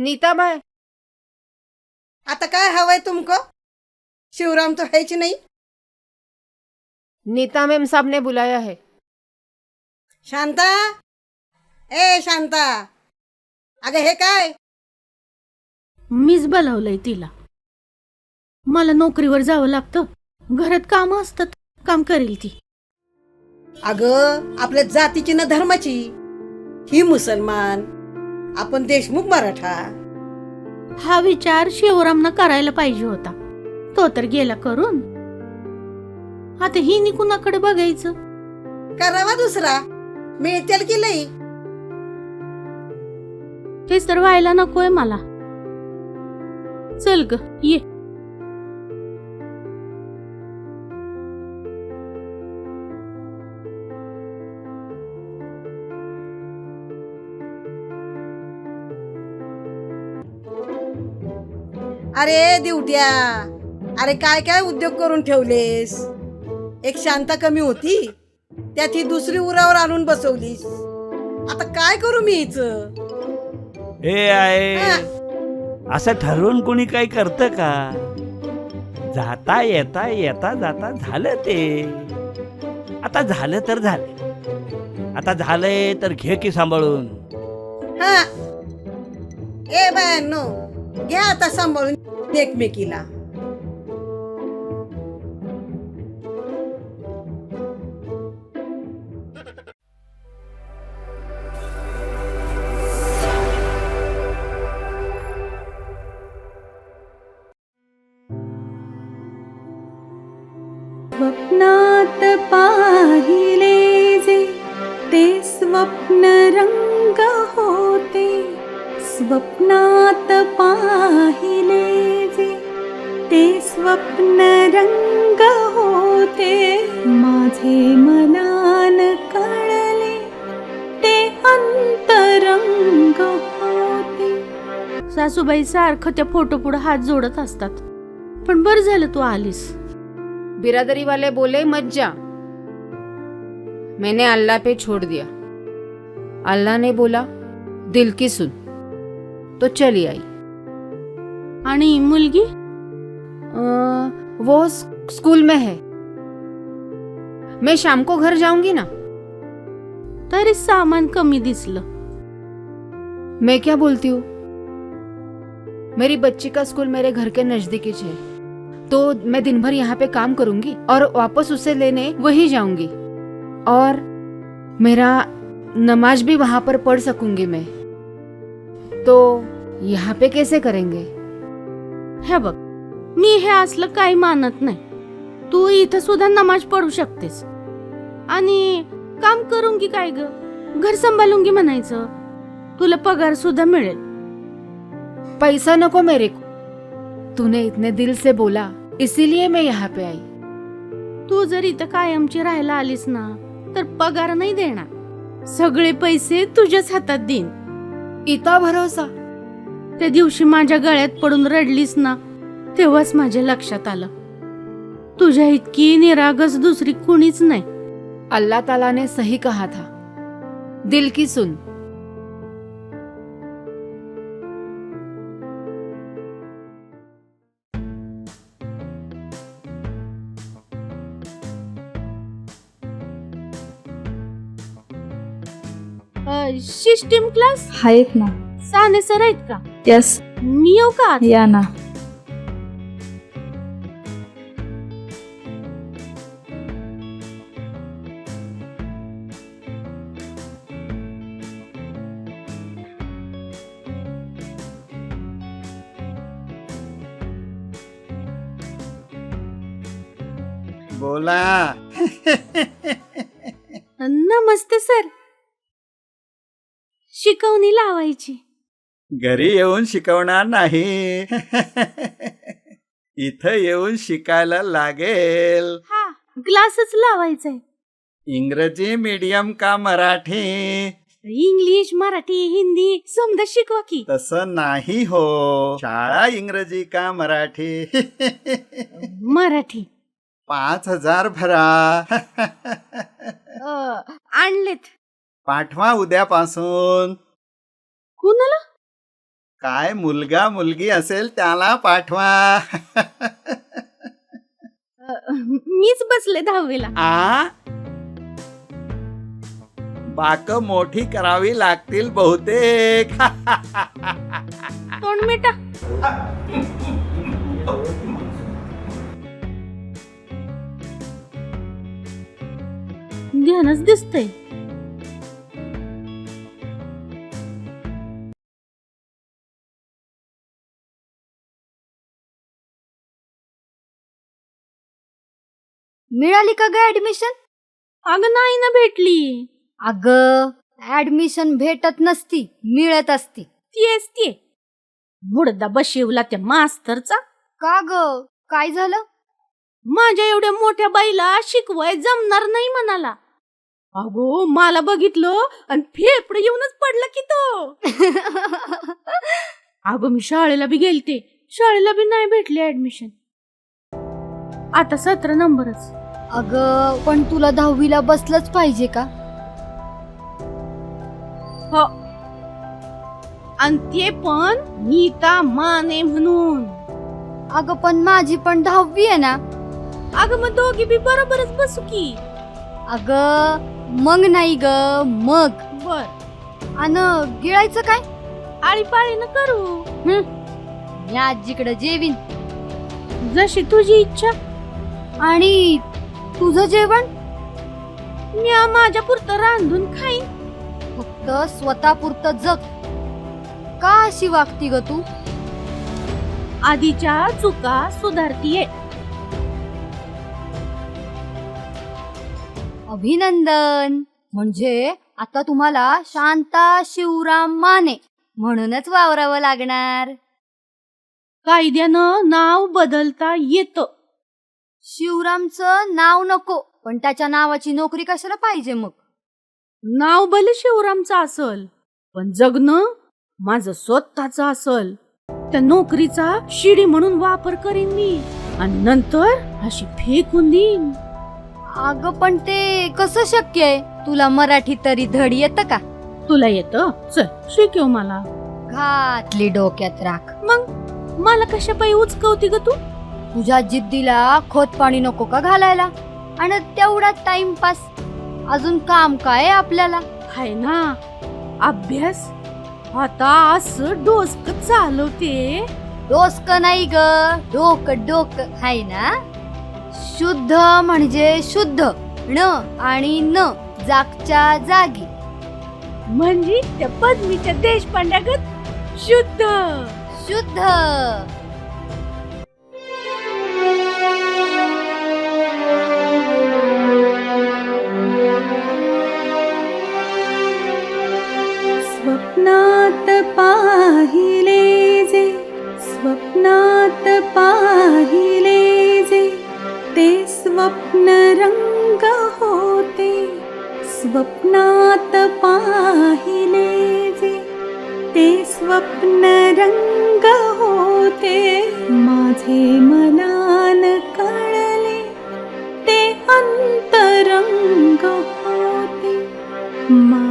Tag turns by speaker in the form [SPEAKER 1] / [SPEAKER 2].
[SPEAKER 1] Nita bye,
[SPEAKER 2] आता काय हवंय तुमको? शिवराम तो है की नहीं?
[SPEAKER 1] नीता मैम साहब ने बुलाया है।
[SPEAKER 2] शांता, ए शांता, अगं हे काय?
[SPEAKER 3] मीच बोलावलंय तिला. मला नोकरीवर जावं लागतं, घरात काम असतात, काम करेल ती.
[SPEAKER 2] अगं आपल्या जातीची ना धर्माची. ही मुसलमान, आपण देशमुख मराठा.
[SPEAKER 3] हा विचार शिवरामनं करायला पाहिजे होता. तो तर गेला करून. आता ही कुणाकडे बघायचं?
[SPEAKER 2] करावा दुसरा, मिळतेल की लई.
[SPEAKER 3] तेच तर व्हायला नकोय मला. चल ग ये.
[SPEAKER 2] अरे दिवट्या, अरे काय काय उद्योग करून ठेवलेस. एक शांता कमी होती, त्यात ही दुसरी उरावर आणून बसवलीस. आता काय करू मी हिचं?
[SPEAKER 4] हे आहे असं ठरवून कोणी काही करतं का? जाता येता येता जाता झालं ते. आता झालं तर झालं. आता झालंय तर घे की सांभाळून.
[SPEAKER 2] हा, ए बायांनो, घ्या आता सांभाळून एकमेकीला.
[SPEAKER 5] स्वप्नात पाहिले जे ते स्वप्न रंग होते. स्वप्नात पाहिले जे ते स्वप्न रंग होते. माझे मनान कळले ते अंतरंग होते.
[SPEAKER 3] सासूबाई सारखं त्या फोटो पुढे हात जोडत असतात. पण बरं झालं तू आलीस.
[SPEAKER 1] बिरादरी वाले बोले मत जा, मैंने अल्लाह पे छोड़ दिया. अल्लाह ने बोला दिल की सुन, तो चली आई.
[SPEAKER 3] आणि मुलगी
[SPEAKER 1] वो स्कूल में है. मैं शाम को घर जाऊंगी ना.
[SPEAKER 3] तरी सामान कमी दिसलं.
[SPEAKER 1] मैं क्या बोलती हूँ, मेरी बच्ची का स्कूल मेरे घर के नजदीक ही है, तो मैं दिन भर यहाँ पे काम करूंगी और वापस उसे लेने वही जाऊंगी. और मेरा नमाज भी वहां पर पढ़ सकूंगी मैं. तो यहाँ पे कैसे करेंगे?
[SPEAKER 3] हे बघ, मी हे असलं काही मानत नाही. तू इथं सुद्धा नमाज पढू शकतेस. आणि काम करूंगी काय ग, घर सांभाळूंगी म्हणायचं. तुला पगार सुद्धा मिळेल.
[SPEAKER 1] पैसा नको मेरे को. तूने इतने दिल से बोला, इसीलिए मैं यहाँ पे आई.
[SPEAKER 3] तू जर इथं कायमची राहायला आलीस ना, तर पगार नाही देणार. सगळे पैसे तुझ्याच हातात देईन.
[SPEAKER 1] इतना भरोसा.
[SPEAKER 3] त्या दिवशी माझ्या गळ्यात पडून रडलीस ना, तेव्हाच माझ्या लक्षात आलं, तुझ्या इतकी निरागस दुसरी कुणीच नाही.
[SPEAKER 1] अल्लाह ताला ने सही कहा था, दिल की सुन.
[SPEAKER 3] सिस्टीम क्लास
[SPEAKER 5] आहेत ना.
[SPEAKER 3] साने सर आहेत का?
[SPEAKER 5] यस,
[SPEAKER 3] मी येऊ का?
[SPEAKER 5] या ना.
[SPEAKER 6] बोला.
[SPEAKER 3] नमस्ते सर. शिकवणी लावायची.
[SPEAKER 6] घरी येऊन शिकवणार नाही. इथं येऊन शिकायला लागेल.
[SPEAKER 3] हा, क्लासच लावायचाय.
[SPEAKER 6] इंग्रजी मीडियम का मराठी?
[SPEAKER 3] इंग्लिश, मराठी, हिंदी समजा शिकवा की.
[SPEAKER 6] तसं नाही हो. शाळा इंग्रजी का मराठी?
[SPEAKER 3] मराठी.
[SPEAKER 6] 5,000 भरा.
[SPEAKER 3] आणलेत.
[SPEAKER 6] पाठवा उद्यापासून.
[SPEAKER 3] कुणाला?
[SPEAKER 6] काय मुलगा मुलगी असेल त्याला पाठवा.
[SPEAKER 3] मीच बसले 10वीला.
[SPEAKER 4] आ बाक मोठी करावी लागतील बहुतेक.
[SPEAKER 3] तोंड मिटा. ध्यानच दिसतंय.
[SPEAKER 7] मिळाली का ग ऍडमिशन?
[SPEAKER 3] अगं नाही ना भेटली.
[SPEAKER 7] अग ऍडमिशन भेटत नसती, मिळत असती.
[SPEAKER 3] तेच ते बुडदा बशिवला त्या मास्तरचा.
[SPEAKER 7] का ग काय झालं?
[SPEAKER 3] माझ्या एवढ्या मोठ्या बाईला शिकवाय जमणार नाही म्हणाला. अगो मला बघितलं आणि फेफड येऊनच पडला की तो. अगो मी शाळेला बी गेलते, शाळेला बी नाही भेटली ऍडमिशन. आता 17 नंबरच.
[SPEAKER 7] अग पण तुला 10वीला बसलंच पाहिजे का?
[SPEAKER 3] हो, आणि ते पण नीता माने म्हणून.
[SPEAKER 7] अग पण माझी पण 10वी आहे ना.
[SPEAKER 3] अगं मग दोघी बी बरोबरच बसू की.
[SPEAKER 7] अग मग नाही ग मग.
[SPEAKER 3] बर,
[SPEAKER 7] अन गिळायचं काय?
[SPEAKER 3] आळीपाळीनं करू.
[SPEAKER 7] मी आजीकडे जेवीन.
[SPEAKER 3] जशी तुझी इच्छा.
[SPEAKER 7] आणि तुझं जेवण?
[SPEAKER 3] मी माझ्या पुरतं रांधून खाईन.
[SPEAKER 7] फक्त स्वतःपुरतं जग. का अशी वागती ग तू?
[SPEAKER 3] आधीच्या चुका सुधारतीये.
[SPEAKER 7] अभिनंदन. म्हणजे आता तुम्हाला शांता शिवराम माने म्हणूनच वावरावं लागणार.
[SPEAKER 3] कायद्यानं नाव बदलता येतं.
[SPEAKER 7] शिवरामचं नाव नको, पण त्याच्या नावाची नोकरी कशाला पाहिजे मग?
[SPEAKER 3] नाव भले शिवरामचं असल, पण जगणं माझं स्वतःच असल. त्या नोकरीचा शिडी म्हणून वापर करीन मी आणि नंतर अशी फेकून देईन.
[SPEAKER 7] अगं पण ते कसं शक्य आहे? तुला मराठी तरी धड येतं का?
[SPEAKER 3] तुला येतं? चल शिकव मला.
[SPEAKER 7] घातली डोक्यात राख.
[SPEAKER 3] मग मला कशा पायी उचकवती ग तू?
[SPEAKER 7] तुझ्या जिद्दीला खोत पाणी नको का घालायला? आणि तेवढा टाइमपास. अजून काम काय आपल्याला?
[SPEAKER 3] हाय ना अभ्यास. आता असं डोसक चालवते.
[SPEAKER 7] डोसक नाही ग, डोकं डोकं हाय ना. शुद्ध म्हणजे शुद्ध, न आणि न जागच्या जागी.
[SPEAKER 3] म्हणजे त्या पद्मीच्या देशपांड्यागत शुद्ध
[SPEAKER 7] शुद्ध.
[SPEAKER 5] स्वप्नात पाहिले जे, स्वप्नात पाहिले जे, ते स्वप्न रंग होते. स्वप्नात पाहिले जे, ते स्वप्न रंग होते. माझे मनान कळले ते अंतरंग होते.